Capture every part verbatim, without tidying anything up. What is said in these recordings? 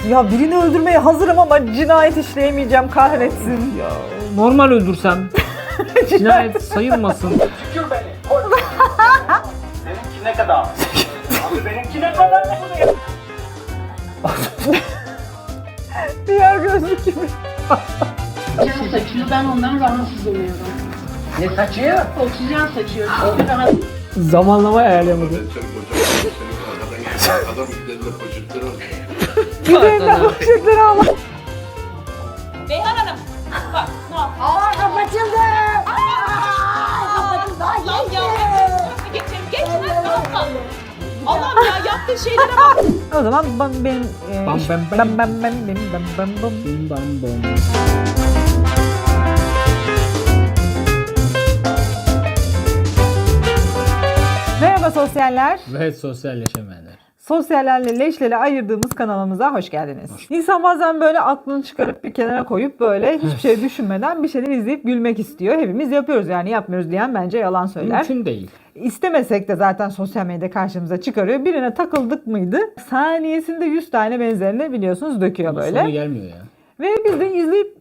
Ya birini öldürmeye hazırım ama cinayet işleyemeyeceğim, kahretsin. Ya normal öldürsem cinayet sayılmasın. Tükür beni. Koy. Benimki ne kadar? Abi benimki ne kadar ne bunu? Diğer gözlük gibi. Oksijen saçıyor, ben ondan rahatsız oluyorum. Ne saçıyor? Oksijen saçıyor, çünkü rahatsız. Zamanlama ayarlayamadı. Adam üzerinde poşetleri alıyor. Güzelinden poşetleri al. Beyhan Hanım, bak ne yap? Aa kapatıldı. Aa kapatıldı. Daha Allah'ım yeni. ya, geçelim, geçmez ne yapalım? Allah'ım ya, yaptığı şeylere bak. O zaman ben benim e, Bam iş- bam bam. bam bam bam bam bam bam bam. Bim bam bom. Merhaba sosyaller. Ve sosyalleşemeyenler. Sosyallerle leşleri ayırdığımız kanalımıza hoş geldiniz. İnsan bazen böyle aklını çıkarıp bir kenara koyup böyle hiçbir şey düşünmeden bir şeyler izleyip gülmek istiyor. Hepimiz yapıyoruz, yani yapmıyoruz diyen bence yalan söyler. Mümkün değil. İstemesek de zaten sosyal medyada karşımıza çıkarıyor. Birine takıldık mıydı saniyesinde yüz tane benzerini biliyorsunuz döküyor böyle. Sonu gelmiyor ya. Ve biz de izleyip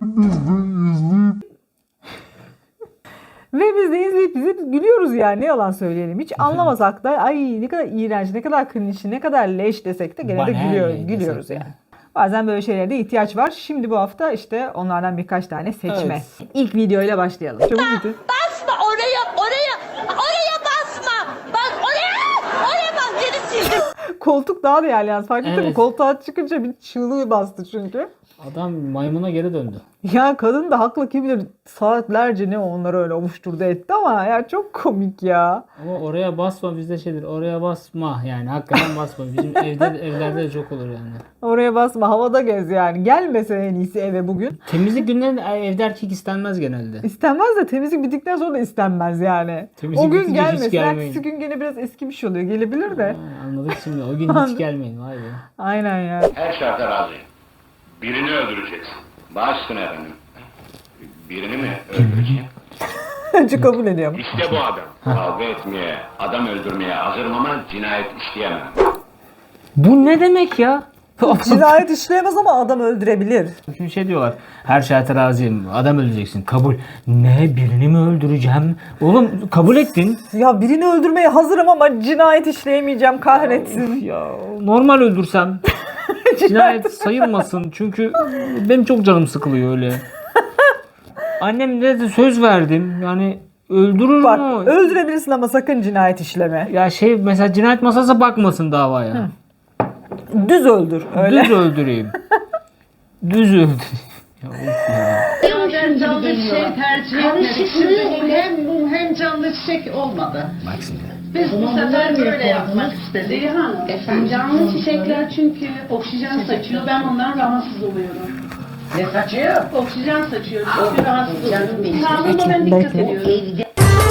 Ve biz de izleyip izleyip gülüyoruz yani, ne yalan söyleyelim. Hiç anlamasak da ay ne kadar iğrenç, ne kadar cringe, ne kadar leş desek de gene de Bana gülüyor, ne gülüyoruz desek de. yani. Bazen böyle şeylere de ihtiyaç var. Şimdi bu hafta işte onlardan birkaç tane seçme. Evet. İlk videoyla başlayalım. Çabuk bitir. Basma oraya, oraya, oraya basma. Bak oraya, oraya bas. Geri sildim. Koltuk daha değerli yalnız, fark ettin mi? Evet. Koltuğa çıkınca bir çığlığı bastı çünkü. Adam maymuna geri döndü. Ya kadın da haklı, kim bilir saatlerce ne onları öyle ovuşturdu etti ama ya çok komik ya. Ama oraya basma, bizde şeydir. Oraya basma yani, hakikaten basma. Bizim evde evlerde de çok olur yani. Oraya basma, havada gez yani. Gelmese en iyisi eve bugün. Temizlik günlerinde evde erkek istenmez genelde. İstenmez de temizlik bittikten sonra da istenmez yani. Temizlik o gün bitince hiç gelmesin. gelmeyin. Ertesi gün gene biraz eskimiş oluyor. Gelebilir de. Ha, anladık şimdi. O gün hiç gelmeyin. Vay be. Aynen ya. Her şarta razıyım. Birini öldüreceksin. Baş üstüne efendim. Birini mi öldüreceğim? Önce kabul ediyorum. İşte bu adam. Kavga etmeye, adam öldürmeye hazırım ama cinayet işleyemem. Bu ne demek ya? Cinayet işleyemez ama adam öldürebilir. Şimdi şey diyorlar. Her şarta razıyım. Adam öldüreceksin. Kabul. Ne? Birini mi öldüreceğim? Oğlum kabul ettin. Ya birini öldürmeye hazırım ama cinayet işleyemeyeceğim, kahretsin. Ya normal öldürsem cinayet sayılmasın. Çünkü benim çok canım sıkılıyor öyle. Annem de söz verdim. Yani öldürür Bak, mü? öldürebilirsin ama sakın cinayet işleme. Ya şey mesela cinayet masası bakmasın davaya. Düz öldür. Öyle. Düz öldüreyim. Düz öldüreyim. Ya of ya. Ben canlı çiçek tercih etmedik. Şimdi hem mum hem canlı çiçek olmadı. Bak şimdi. Biz bu sefer böyle yapmak istedik. Zeyhan, efendim, canlı çiçekler çünkü oksijen saçıyor, ben ondan rahatsız oluyorum. Ne saçıyor? Oksijen saçıyor, çünkü rahatsız oluyorum. Sağlığıma ben dikkat ediyorum.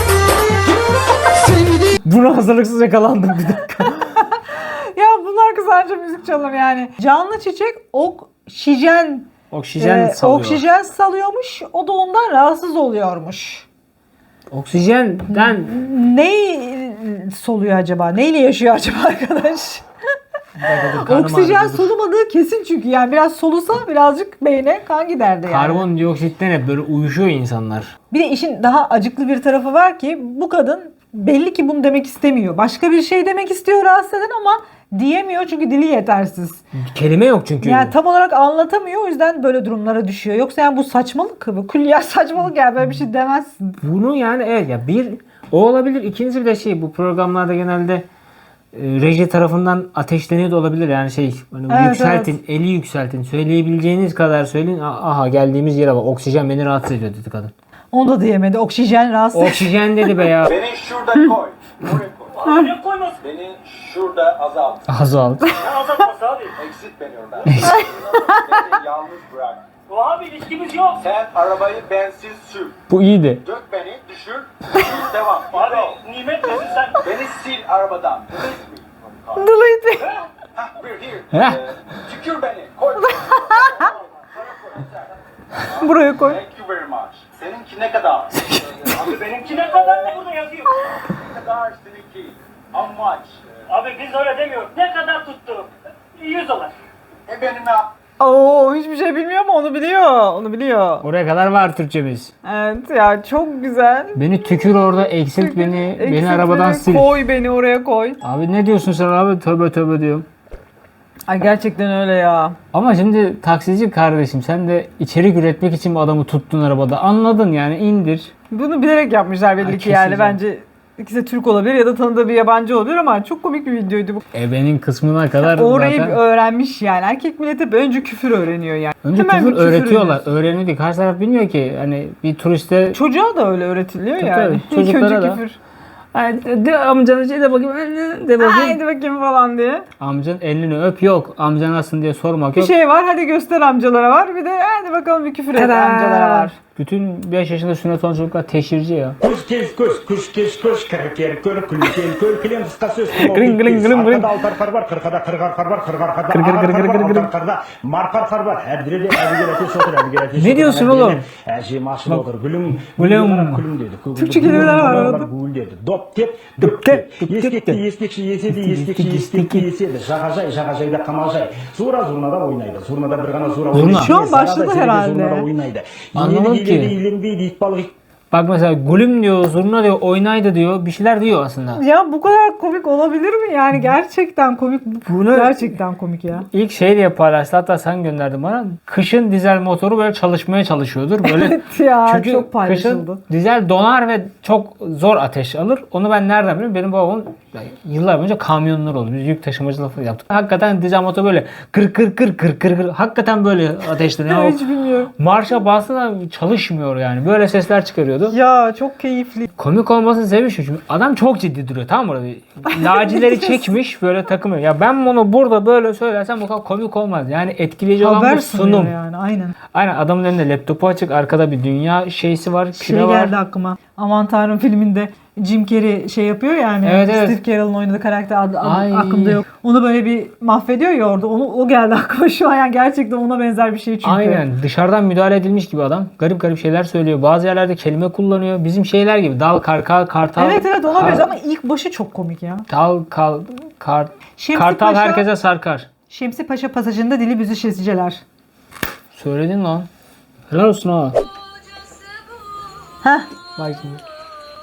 Buna hazırlıksız yakalandım bir dakika. Ya bunlar kızarca müzik çalır yani. Canlı çiçek oksijen Oksijen e, salıyor. oksijen salıyormuş. O da ondan rahatsız oluyormuş. Oksijenden Ne soluyor acaba? Neyle yaşıyor acaba arkadaş? karnım Oksijen ağrıdı. solumadığı kesin çünkü yani biraz solusa birazcık beyne kan giderdi yani. Karbondioksitten hep böyle uyuşuyor insanlar. Bir de işin daha acıklı bir tarafı var ki bu kadın belli ki bunu demek istemiyor. Başka bir şey demek istiyor rahatsız eden ama diyemiyor çünkü dili yetersiz. Kelime yok çünkü. Yani tam olarak anlatamıyor, o yüzden böyle durumlara düşüyor. Yoksa yani bu saçmalık, bu külliyen saçmalık, yani böyle bir şey demezsin. Bunu yani evet ya bir o olabilir. İkincisi bir de şey, bu programlarda genelde e, reji tarafından ateşleniyor da olabilir. Yani şey hani Evet, yükseltin, eli yükseltin. Söyleyebileceğiniz kadar söyleyin. A- Aha geldiğimiz yere bak. Oksijen beni rahatsız ediyor dedi kadın. Onu da diyemedi. Oksijen rahatsız. Oksijen dedi be ya. Beni şurada koy. Buraya koy. Ne koymaz? Beni şurada azalt. Azalt. Ben azaltması abi. Exit beni oradan. Beni yalnız bırak. Bu abi ilişkimiz yok. Sen arabayı bensiz sür. Bu iyiydi. Dök beni, düşür. Düşür, devam. Abi Go. nimet misin sen? Beni sil arabadan. Delete me. Delete. Hah, we're here. Heh. Ee, tükür beni. Koy. Buraya koy. Thank you very much. Seninki ne kadar? Abi benimki ne kadar ne burada yazıyor? Ne kadar seninki? How much? Abi biz öyle demiyoruz. Ne kadar tuttu? yüz dolar. E benim ya. Oo, hiçbir şey bilmiyor ama onu biliyor. Onu biliyor. Oraya kadar var Türkçemiz. Evet ya, çok güzel. Beni tükür orada, eksilt beni, beni Eksilt arabadan beni, sil. Koy beni oraya koy. Abi ne diyorsun sen abi? Tövbe tövbe diyorum. Ay gerçekten öyle ya. Ama şimdi taksici kardeşim, sen de içerik üretmek için bu adamı tuttun arabada. Anladın yani, indir. Bunu bilerek yapmışlar belli Ay, ki yani. keseceğim. Bence ikisi de Türk olabilir ya da tanıdığı bir yabancı olabilir ama çok komik bir videoydu bu. Ebenin kısmına kadar Orayı zaten... öğrenmiş yani. Erkek milleti hep önce küfür öğreniyor yani. Önce Hemen küfür bir öğretiyorlar. öğreniyorsun. Öğrenildi. Karşı taraf bilmiyor ki. Hani bir turiste... Çocuğa da öyle öğretiliyor Tabii yani. tabii, İlk çocuklara önce da. küfür. Ay, de amcanın şey de bakayım, de bakayım. Haydi bakayım falan diye. Amcanın elini öp, yok. Amcan nasılsın diye sormak Bir yok. şey var, hadi göster amcalara var. Bir de hadi bakalım bir küfür et Tada! amcalara var. Bütün beş yaşında sünnet olan çocuklar teşhirci ya. Kuş kes kuş, kuş kes kuş, kırık kör, külken kör, kilen kıskası üstüne Gırın gırın gırın gırın. Arkada altar kar var, kırkada kırgar kar var, kırgar karda, Kır kır kır kır kır kır. altar karda, markar kar var. Her biri de her bir ateş otur, her bir ateş Ne diyorsun oğlum? Her şey maşına otur. Gülüm, Gülüm. gülüm dedi. Türkçe kelimeler var orada. Gül dedi. Dop tep, dop tep. Yeskekti, yeskekşi yesedi, yeskekşi yeskekti yesedi. Şakacay, şakacay da kamacay. Zura zurnada oynaydı. Zurnada bir gana zura Zurna. oynaydı. Şu an başladı Zurnada herhalde. Zurnada oynaydı. Anlamadım Yedi, ki. yedi, ilimdi, it balık. Bak mesela gülüm diyor, zurna diyor, oynaydı diyor. Bir şeyler diyor aslında. Ya bu kadar komik olabilir mi yani? Gerçekten komik. Bunu- Gerçekten komik ya. İlk şey diye paylaştı, hatta sen gönderdin bana. Kışın dizel motoru böyle çalışmaya çalışıyordur. Böyle Evet ya, çünkü çok paylaşıldı. kışın dizel donar ve çok zor ateş alır. Onu ben nereden biliyorum? Benim babamın yani yıllar önce kamyonlar oldu. Biz yük taşımacılığı falan yaptık. Hakikaten dizel motor böyle kır kır kır kır kır kır. Hakikaten böyle ateşleniyor. Hiç bilmiyorum. Marşa bastı da çalışmıyor yani. Böyle sesler çıkarıyordu. Ya çok keyifli. Komik olmasını sevmiş çünkü adam çok ciddi duruyor, tamam mı? Böyle lacileri çekmiş böyle takımıyor. Ya ben bunu burada böyle söylersem bu kadar komik olmaz. Yani etkileyici olan Haber bu sunuyor sunum. yani, aynen. Aynen, adamın elinde laptopu açık, arkada bir dünya şeysi var, Şey küre var. geldi aklıma. Aman Tanrım filminde Jim Carrey şey yapıyor yani. Evet, evet. Steve Carell'ın oynadığı karakter adı, adı Ay. aklımda yok. Onu böyle bir mahvediyor ya orada. Onu, o geldi aklıma şu an. Yani gerçekten ona benzer bir şey çünkü. Aynen, dışarıdan müdahale edilmiş gibi adam. Garip garip şeyler söylüyor. Bazı yerlerde kelime kullanıyor. Bizim şeyler gibi dal, karkal, kartal. Evet evet, ona kar- benziyor ama ilk başı çok komik ya. Dal, kal, kar, Şemsi kartal Paşa- herkese sarkar. Şemsi Paşa pasajında dili büzüşesiceler. Söyledin lan. Helal olsun ha. Heh. Bak şimdi.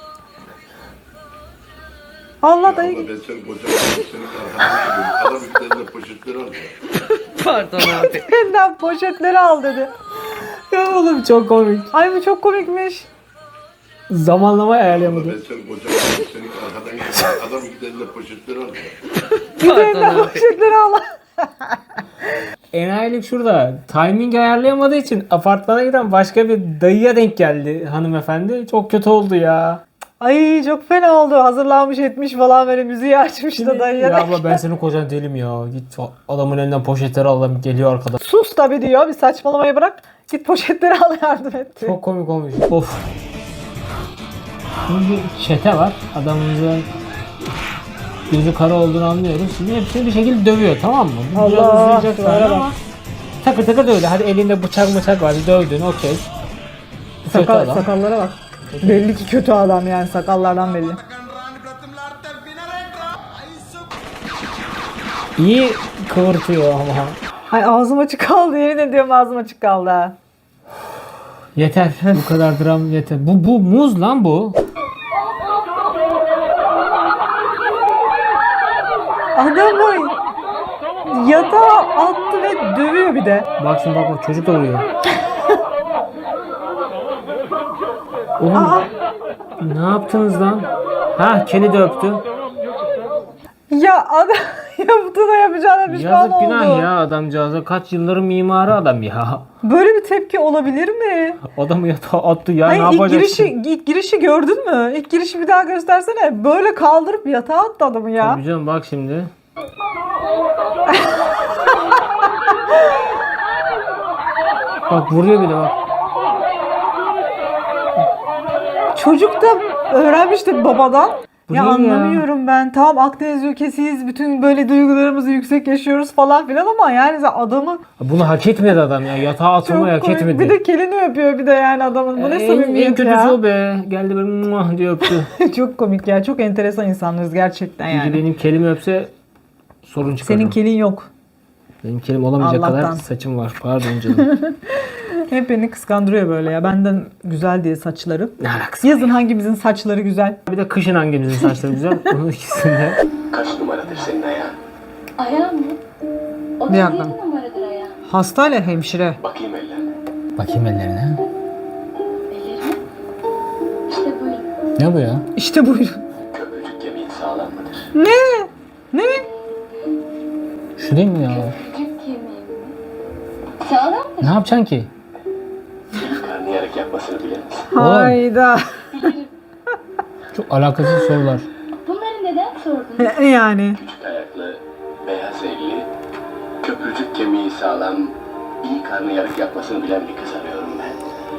Allah dayı. Ben seni kocaman senin arkadaşım. Adam ülkelerinde poşetleri alıyor. Benden poşetleri al dedi. Ya oğlum çok komik. Ay bu çok komikmiş. Zamanlamayı ayarlayamadım. Ben seni kocaman senin arkadan geliyor. Adam ülkelerinde poşetleri alıyor. Benden poşetleri al. Enayilik şurada. Timing ayarlayamadığı için apartmana giden başka bir dayıya denk geldi hanımefendi. Çok kötü oldu ya. Ay çok fena oldu. Hazırlanmış etmiş falan, böyle müziği açmış da dayıya. Ya da- abla ben senin kocan değilim ya. Git adamın elinden poşetleri al, adam geliyor arkadan. Sus tabii diyor. Bir saçmalamayı bırak. Git poşetleri al, yardım et diyor. Çok komik olmuş. Of. Şimdi bir çete var. Adamımızın gözü kara olduğunu anlıyoruz. Şimdi hepsini bir şekilde dövüyor, tamam mı? Bu biraz Allah, uzayacak şunlara zaten bak. ama takır takır dövdü. Hadi elinde bıçak bıçak var. Dövdün, okey. Bu kötü Sakal, adam. sakallara bak. Belli ki kötü adam yani, sakallardan belli. İyi kıvırtıyor ama. Ay ağzım açık kaldı, yemin ediyorum ağzım açık kaldı ha. Yeter. Bu kadar dram yeter. Bu bu muz lan bu. Adamı yatağa attı ve dövüyor bir de. Bak şimdi bak bak, çocuk da vuruyor. Oğlum ne yaptınız lan? Ha, kedi de öptü. Ya adam yaptı da yapacağına pişman Yazık oldu. günah ya adamcağıza. Kaç yılların mimarı adam ya. Böyle bir tepki olabilir mi? Adamı yatağa attı ya, Hayır, ne ilk yapacaksın? girişi, ilk girişi gördün mü? İlk girişi bir daha göstersene. Böyle kaldırıp yatağa attı adamı ya. Tabii canım, bak şimdi. Bak vuruyor bir de bak. Çocuk da öğrenmişti babadan. Bu Ya ne ya? anlamıyorum ben. Tamam, Akdeniz ülkesiyiz. Bütün böyle duygularımızı yüksek yaşıyoruz falan filan ama yani adamı Bunu hak etmedi adam ya. Yatağa atılmayı hak çok komik. etmedi. Bir de kelini öpüyor bir de yani adamın. Bu ne en, en samimiyet kötüsü ya. o be. Geldi böyle muah diye öptü. Çok komik ya. Çok enteresan insanlarız gerçekten Yani. yani. Benim kelime öpse sorun çıkar. Senin kelin yok. Benim kelim olamayacak Allah'tan. kadar saçım var. Pardon canım. Hep beni kıskandırıyor böyle ya. Benden güzel diye saçları. Ne alakası? Yazın hangimizin saçları güzel? Bir de kışın hangimizin saçları güzel? Onun ikisinde. Kaç numaradır senin ayağın? Ayağım mı? O Bir da dakika. yedi numaradır ayağım. Hastayla hemşire. Bakayım ellerine. Bakayım ellerine. Ellerimi? İşte buyurun. Ne bu ya? İşte buyurun. Köprücük kemiğin sağlam mıdır? Ne? Ne? Şu değil mi ya? Küçük kemiğim mi? Sağlamdır. Ne yapacaksın ki? Karnıyarık yapmasını bilir misin? Hayda. Çok alakasız sorular. Bunları neden sordun? Yani. Küçük ayaklı, beyaz elli, köprücük kemiği sağlam, iyi karnıyarık yapmasını bilen bir kız arıyorum ben.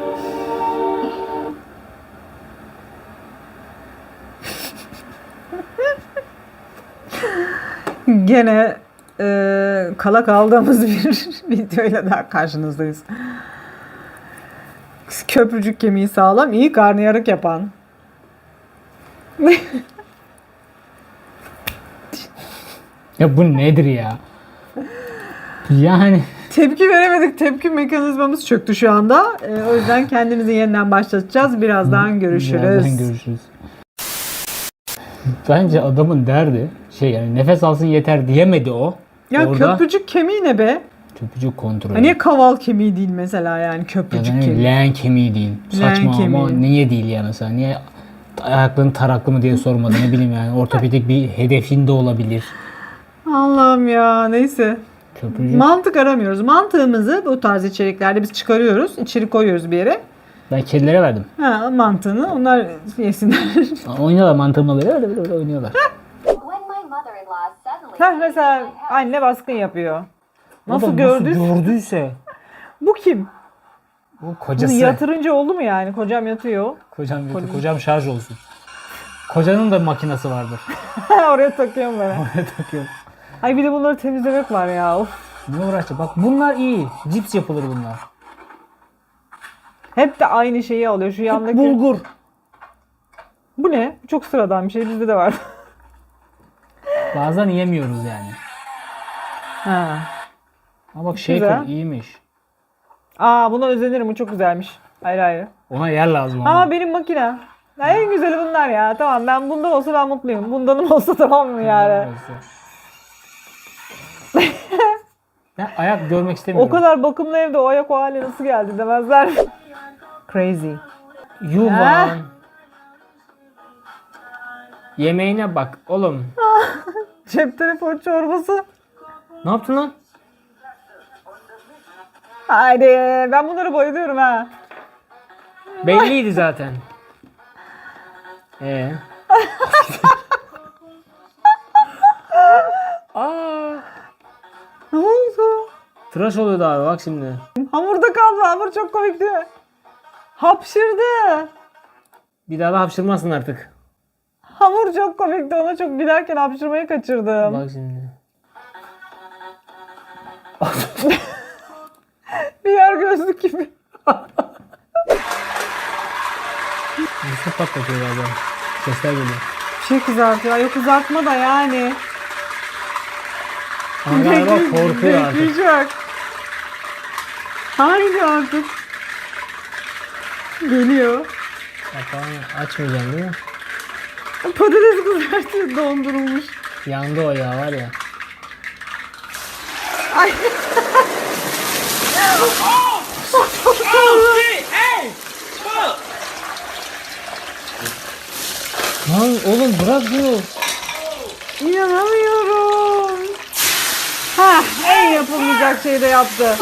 Gene e, kala kaldığımız bir videoyla daha karşınızdayız. Köprücük kemiği sağlam, iyi karnıyarık yapan. Ya bu nedir ya? Yani Tepki veremedik. Tepki mekanizmamız çöktü şu anda. E, o yüzden kendimizi yeniden başlatacağız. Birazdan görüşürüz. birazdan görüşürüz. Bence adamın derdi şey yani nefes alsın yeter diyemedi o. Ya Orada köprücük kemiği ne be? köprücük kontrolü. Ha, niye kaval kemiği değil mesela yani Ya köprücük da ne bileyim, kemiği? leğen kemiği değil. Saçma ama kemiği. niye değil ya mesela? Niye ayakların taraklı mı diye sormadı ne bileyim yani. Ortopedik bir hedefin de olabilir. Allah'ım ya neyse. Köprücük. Mantık aramıyoruz. Mantığımızı bu tarz içeriklerde biz çıkarıyoruz. İçeri koyuyoruz bir yere. Ben kedilere verdim. Ha, mantığını onlar yesinler. Oynuyorlar mantığımla böyle öyle böyle, böyle oynuyorlar. Heh, mesela anne baskın yapıyor. O Nasıl da gördü? gördüyse. Bu kim? Bu Bunu kocası. yatırınca oldu mu yani? Kocam yatıyor. Kocam yatıyor. Kocam şarj olsun. Kocanın da makinesi vardır. Oraya takıyorum ben. Oraya takıyorum. Ay bir de bunları temizlemek var ya. Of. Ne uğraşacak? Bak bunlar iyi. Cips yapılır bunlar. Hep de aynı şeyi alıyor. Şu yandaki. Bulgur. Bu ne? Çok sıradan bir şey. Bizde de var. Bazen yemiyoruz yani. Ha. Ama bak shaker Güzel. iyiymiş. Aa buna özenirim. Bu çok güzelmiş. Ayrı ayrı. Ona yer lazım ama. Ama benim makine. Ya en güzeli bunlar ya. Tamam ben bundan olsa ben mutluyum. Bundanım olsa tamam mı yani? Ben ayak görmek O istemiyorum. kadar bakımlı evde o ayak o hale nasıl geldi demezler. Crazy. Yuvan. Yemeğine bak oğlum. Cep telefon çorbası. Ne yaptın lan? Haydi ben bunları bayılıyorum ha. Belliydi zaten. Ee. Aa, Ne oldu? tıraş oluyordu abi bak şimdi. Hamurda kaldı. Hamur çok komikti. Hapşırdı. Bir daha da hapşırmasın artık. Hamur çok komikti. Ona çok gülerken hapşırmayı kaçırdım. Bak şimdi. Bir yer gözlük gibi. Mısır patlatıyor galiba. Sesler geliyor. Bir şey kızartıyor. Yok kızartma da yani. Ama galiba korkuyor artık. Bekleyecek. Haydi artık. Geliyor. Kapağını açmayacağım değil mi? Patates kızartıyor dondurulmuş. Yandı o ya var ya. Ay. Lan oğlum bırak bunu. İnanamıyorum. Ha, en yapılmayacak şeyi de yaptı.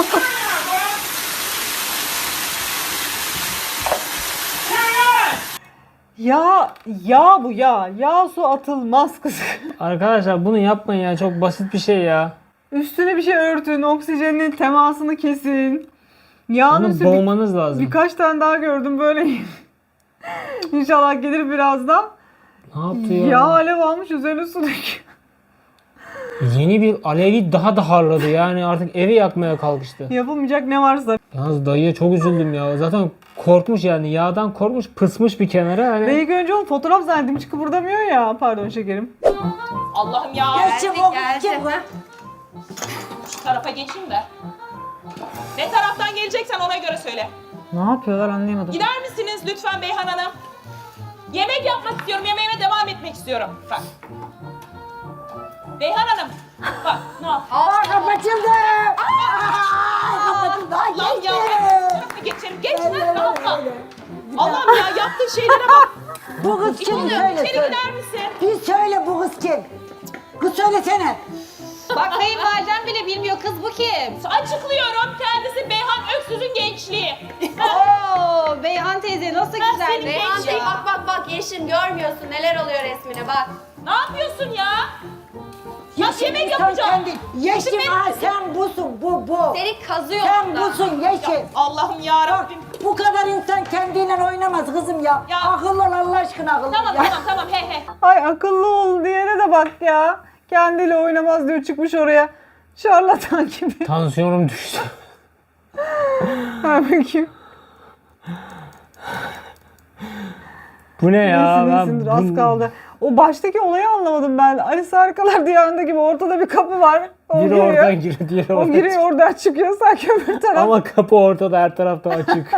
Ya, ya bu ya. Yağ su atılmaz kız. Arkadaşlar bunu yapmayın ya çok basit bir şey ya. Üstüne bir şey örtün, oksijenin temasını kesin. Yağın Bunu üstü bir- boğmanız lazım. birkaç tane daha gördüm böyle. İnşallah gelir birazdan. Ne yaptı ya? Yağ alev almış üzerine su döküyor. Yeni bir alevi daha da harladı yani artık evi yakmaya kalkıştı. Yapılmayacak ne varsa. Yalnız dayıya çok üzüldüm ya. Zaten korkmuş yani yağdan korkmuş pısmış bir kenara. Hani... Ben ilk önce onu fotoğraf zannettim hiç kıpırdamıyor ya. Pardon şekerim. Allah'ım ya. Çabuk çabuk. Şu tarafa geçeyim de. Ne taraftan geleceksen ona göre söyle. Ne yapıyorlar anlayamadım. Gider misiniz lütfen Beyhan Hanım? Yemek yapmak istiyorum, yemeğime devam etmek istiyorum. Bak. Beyhan Hanım, bak ne yap? Aa kapatıldı. Aa kapatıldı. Ay Allah'ım geçti. ya, bu tarafa geçelim. Geç lan, ne yapma? Allah'ım ya, yaptığın şeylere bak. Bu kız kim? İçeri Söyle içeri söyle. gider misin? Bir söyle bu kız kim? Kız söylesene. Bak kayınvalidem bile bilmiyor, kız bu kim? Açıklıyorum, kendisi Beyhan Öksüz'ün gençliği. Oo, Beyhan teyze nasıl Ben güzel senin Beyhan gençliğin. teyze. Bak bak bak Yeşim görmüyorsun neler oluyor resmine bak. Ne yapıyorsun ya? Ya yemek Sen yapacağım. kendin- Yeşim Yemek- ha sen busun bu bu. Seni kazıyor Sen orada. busun Yeşim. Allah'ım ya Bak Rabbim. bu kadar insan kendiyle oynamaz kızım ya. Ya. Akıllı ol Allah aşkına akıllı Tamam ya. tamam tamam he he. Ay akıllı ol diyene de bak ya. Kendiyle oynamaz diyor çıkmış oraya. Şarlatan gibi. Tansiyonum düştü. Ha bakayım. Bu ne ya? İyisin, Ben iyisindir, bu- az kaldı. O baştaki olayı anlamadım ben. Alice Harikalar Diyarı'nda gibi ortada bir kapı var. O Biri giriyor. oradan giriyor, diğeri O oradan giriyor çıkıyor. oradan çıkıyor sanki öbür taraf. Ama kapı ortada, her tarafta açık.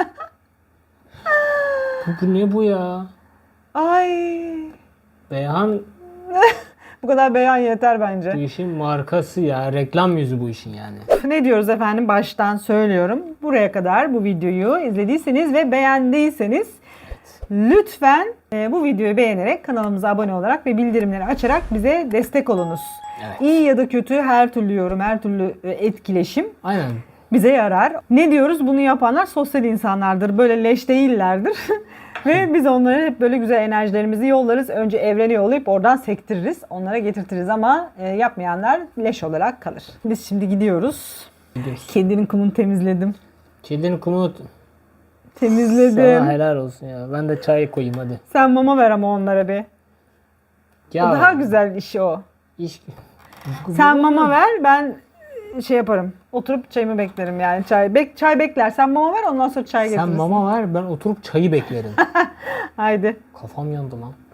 bu, bu ne bu ya? Ay. Beyhan Bu kadar beyan yeter bu bence. işin markası ya. Reklam yüzü bu işin yani. Ne diyoruz efendim? Baştan söylüyorum. Buraya kadar bu videoyu izlediyseniz ve beğendiyseniz lütfen e, bu videoyu beğenerek kanalımıza abone olarak ve bildirimleri açarak bize destek olunuz. Evet. İyi ya da kötü her türlü yorum, her türlü e, etkileşim Aynen. bize yarar. Ne diyoruz? Bunu yapanlar sosyal insanlardır. Böyle leş değillerdir. Ve biz onlara hep böyle güzel enerjilerimizi yollarız. Önce evrene yollayıp oradan sektiririz. Onlara getirtiriz ama e, yapmayanlar leş olarak kalır. Biz şimdi gidiyoruz. Gidiyoruz. Kedinin kumunu temizledim. Kedinin kumunu Temizledim. sana helal olsun ya. Ben de çay koyayım hadi. Sen mama ver ama onlara bir. Ya, O daha güzel işi o. iş- Sen mama ver, ben şey yaparım. Oturup çayımı beklerim yani. Çay bek çay bekler. Sen mama ver, ondan sonra çay Sen getirirsin. mama ver, ben oturup çayı beklerim. Haydi. Kafam yandı lan.